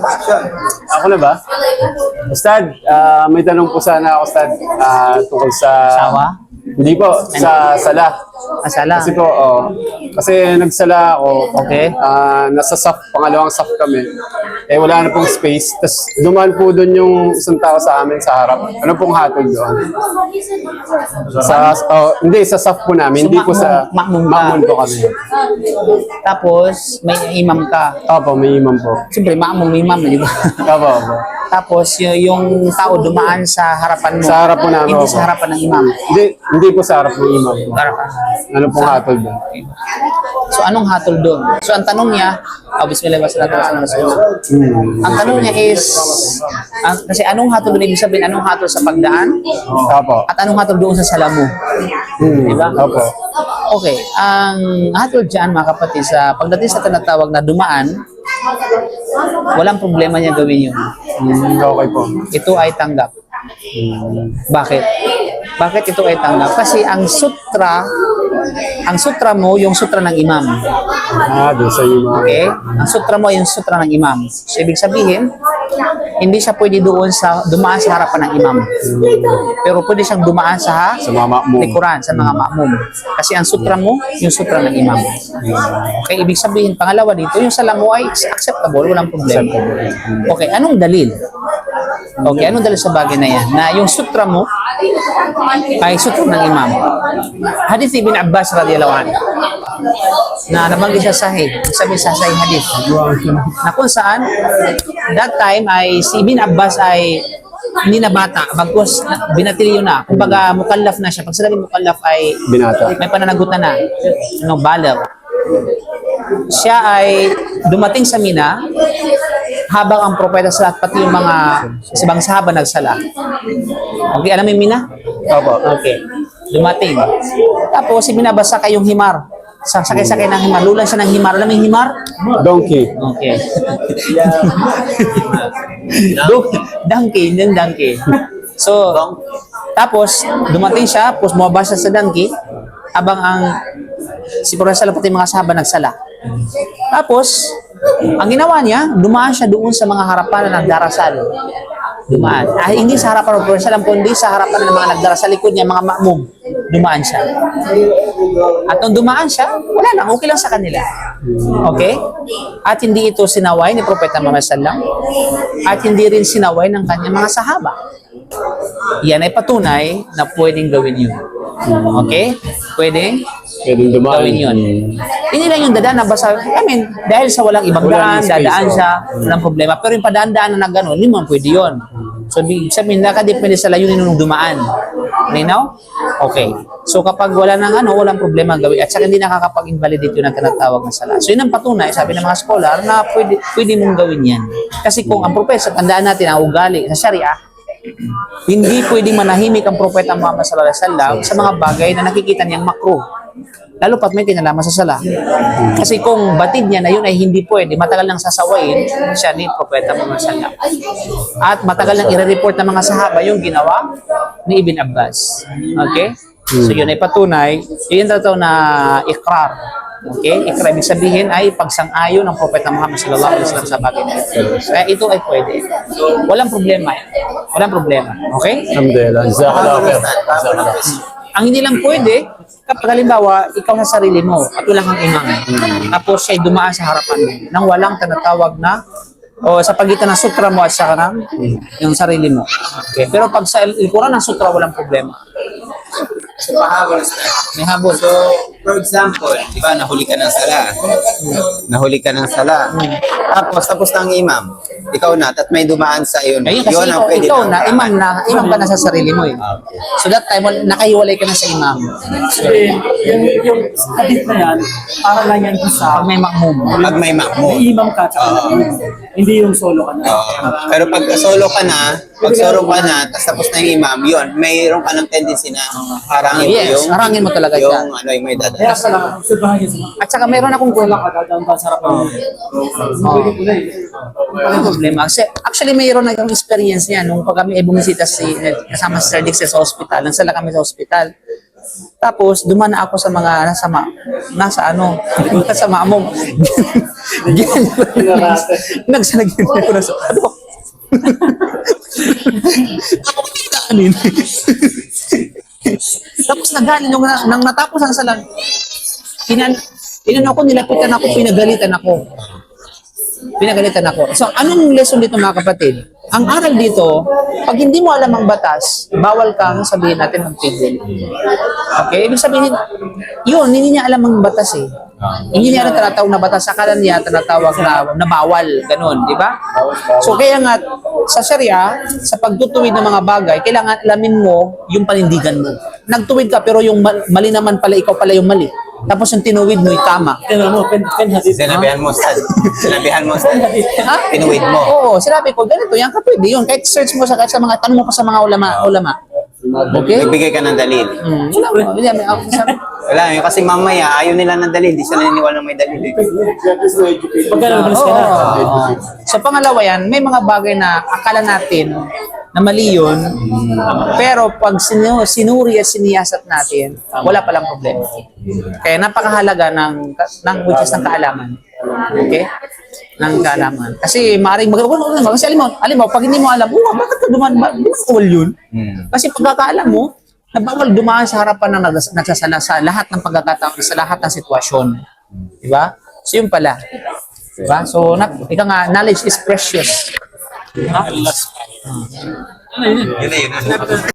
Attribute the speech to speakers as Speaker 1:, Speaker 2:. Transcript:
Speaker 1: Ako na ba? Ustad, may tanong po sana ako, Ustad, tungkol sa...
Speaker 2: Sawa?
Speaker 1: Hindi po, sa sala.
Speaker 2: Asala.
Speaker 1: Kasi po, kasi nagsala ako.
Speaker 2: Okay.
Speaker 1: Nasa pangalawang SAF kami. Eh, wala na pong space. Tapos, dumaan po doon yung isang tao sa amin sa harap. Ano pong hatol doon? Hindi, sa SAF po namin.
Speaker 2: So,
Speaker 1: Hindi po sa...
Speaker 2: makmum ka.
Speaker 1: Makmum po kami.
Speaker 2: Tapos, may imam ka.
Speaker 1: Opo, may imam po.
Speaker 2: Siyempre, imam, di ba?
Speaker 1: Opo.
Speaker 2: Tapos, yung tao dumaan sa harapan mo.
Speaker 1: Sa harap po namin.
Speaker 2: Hindi
Speaker 1: opo.
Speaker 2: sa harapan ng imam.
Speaker 1: Hindi po sa harap ng imam.
Speaker 2: Harapan.
Speaker 1: Ano pong hatol doon?
Speaker 2: So, anong hatol doon? So, ang tanong niya, bismillah wa salatu wa salam. Ang tanong niya is, kasi anong hatol doon? Ibig sabihin, anong hatol sa pagdaan?
Speaker 1: Opo.
Speaker 2: At anong hatol doon sa sala mo? Diba?
Speaker 1: Opo.
Speaker 2: Okay, ang hatol dyan mga kapatid, sa pagdating sa tinatawag na dumaan, walang problema niya gawin yun.
Speaker 1: Okay po.
Speaker 2: Ito ay tanggap. Bakit? Bakit ito ay tanggap? Kasi ang sutra mo, yung sutra ng imam.
Speaker 1: Doon sa imam.
Speaker 2: Okay? Ang sutra mo, yung sutra ng imam. So, ibig sabihin, hindi siya pwede dumaan sa harapan ng imam. Pero pwede siyang dumaan sa
Speaker 1: mga makmum.
Speaker 2: likuran, sa mga makmum. Kasi ang sutra mo, yung sutra ng imam. Okay, ibig sabihin, pangalawa dito, yung sala mo ay acceptable, walang problema. Okay, anong dalil? Okay, anong dalil sa bagay na yan? Na yung sutra mo ay sutra ng imam. Hadith Ibn Abbas radiyallahu anhu na nabanggit sa sahih, sabi sa sahih hadith, na kung saan that time ay si Ibn Abbas ay hindi na bata, bagkus binatilyo na. Kumbaga mukallaf na siya. Pag sinabi mukallaf ay
Speaker 1: Binata.
Speaker 2: may pananagutan na. Baligh. Siya ay dumating sa Mina habang ang propeta sa lahat, pati yung mga ibang sahaba nagsala. Okay, alam mo yung Mina?
Speaker 1: Opo.
Speaker 2: Okay. Dumating. Tapos binabasa kayong himar. Sakay-sakay ng himar. Lulan siya ng himar. Alam mo yung himar?
Speaker 1: Donkey.
Speaker 2: Okay. Donkey. So, tapos dumating siya, tapos bumabasa sa donkey habang si Propeta pati mga sahaba nagsala. Tapos, ang ginawa niya, dumaan siya doon sa mga harapan na nagdarasal. Dumaan. Hindi sa harapan ng Propeta, kundi sa harapan ng mga nagdarasal likod niya, mga makmum. Dumaan siya. At nung dumaan siya, wala lang, okay lang sa kanila. Okay? At hindi ito sinaway ni Propeta Muhammad sallam, at hindi rin sinaway ng kanyang mga sahaba. Yan ay patunay na pwedeng gawin yun. Okay? Pwedeng
Speaker 1: dumaan.
Speaker 2: gawin yun. Hindi lang yung dadaan na basa. Dahil sa walang ibang daan, dadaan siya, walang problema. Pero yung padaan-daan na gano'n, hindi mo pwede yun. So, sabihin, nakadepende sa layunin nung dumaan. Linaw? Okay. So, kapag wala nang walang problema gawin. At saka hindi nakakapag-invalidate yun ang tinatawag na sala. So, yun ang patunay, sabi ng mga scholar, na pwede mong gawin yan. Kasi kung ang propeta, tandaan natin, ang ugali sa Sharia, hindi pwedeng manahimik ang propeta Muhammad sallallahu alaihi wasallam sa mga bagay na nakikita niyang makruh. Lalo pat may kinalaman sa sala. Kasi kung batid niya na yun ay hindi pwede, matagal nang sasawayin siya ni propeta Muhammad sallallahu alaihi wasallam. At matagal nang i-report ng mga sahaba yung ginawa ni Ibn Abbas. Okay? So yun ay patunay, yun tataw na ikrar. Okay? Ikrar, ibig sabihin ay pagsang-ayon ng propeta Muhammad sallallahu alaihi wasallam sa bagay na ito. Kaya ito ay pwede. Walang problema yan. Walang problema. Okay?
Speaker 1: Alhamdulillah.
Speaker 2: Ang hindi lang pwede, kapag halimbawa, ikaw sa sarili mo at wala kang imam, tapos siya'y dumaan sa harapan mo nang walang tinatawag na o sa pagitan ng sutra mo at saka ng yung sarili mo. Okay. Pero pag sa likuran ng sutra, walang problema.
Speaker 3: So, pahabol.
Speaker 2: May habol.
Speaker 3: So, for example, di ba, nahuli ka ng sala. Nahuli ka ng sala. Tapos ng imam. Ikaw na, at may dumaan sa iyo.
Speaker 2: Ayun, kasi
Speaker 3: Yun ang pwede
Speaker 2: ikaw
Speaker 3: na.
Speaker 2: imam ka na sa sarili mo eh. So that time, nakahiwalay ka na sa imam.
Speaker 4: Kasi yung hadith na yan, para lang yan sa
Speaker 2: Pag may makmum.
Speaker 3: Pag may makmo.
Speaker 4: may imam ka, tsaka hindi yung solo ka na.
Speaker 3: Pero pag solo ka na, tapos na yung imam, yun, mayroon ka ng tendency na harangin mo
Speaker 2: Yes,
Speaker 3: yung,
Speaker 2: harangin mo talaga
Speaker 3: yung,
Speaker 2: yan.
Speaker 3: yung may dadaan.
Speaker 4: Kaya pala, obserbahan niya sa mga
Speaker 2: At saka meron akong
Speaker 4: wala ka, dadaan ba sa harapan mo. Pwede ko na eh.
Speaker 2: Walang problema. Actually, mayroon na akong experience niya nung pag kami ay bumisita kasama si Sir Dixie sa hospital. Nagsala kami sa hospital. Tapos, dumana ako sa mga nasa maamong. Nagsanagin ako na sa, ano? Kanin. Tapos nagaling nang natapos ang salag. Inano ako, nilapitan ako, pinagalitan ako. So, anong lesson dito mga kapatid? Ang aral dito, pag hindi mo alam ang batas, bawal kang sabihin natin magpigil. Okay? Ibig sabihin, yun, hindi niya alam ang batas eh. Hindi niya alam tinatawag na batas, akala niya tinatawag na bawal, ganun, di ba? So, kaya nga, sa Sharia, sa pagtutuwid ng mga bagay, kailangan alamin mo yung panindigan mo. Nagtuwid ka, pero yung mali naman pala, ikaw pala yung mali. Tapos yung tinuwid mo, tama.
Speaker 3: Sinabihan mo, Ustad. Sinabihan mo, Ustad.
Speaker 2: Ha?
Speaker 3: Tinuwid mo.
Speaker 2: Oo, sinabi ko, ganito, yan ka pwede yun. Kahit search mo kahit sa mga, tanong mo pa sa mga ulama. Okay?
Speaker 3: Nagbigay ka ng dalil. Wala, yun kasi mamaya, ayaw nila ng dalil. Hindi sila naniniwala na may dalil.
Speaker 4: Pagka nalabas ka na.
Speaker 2: So pangalawa yan, may mga bagay na akala natin na mali yun, pero pag sinuri at siniyasat natin, wala palang problema. Kaya napakahalaga ng which is ng kaalaman. Okay? Ng kaalaman. Kasi maaaring kasi alam mo, pag hindi mo alam, bakit ka dumaan? Bawal yun. Kasi pagkakaalam mo, na bawal dumaan sa harapan ng nagsasala sa lahat ng pagkakataon, sa lahat ng sitwasyon. Diba? So yun pala. Diba? So, ika nga, knowledge is precious.
Speaker 3: Yun na yun.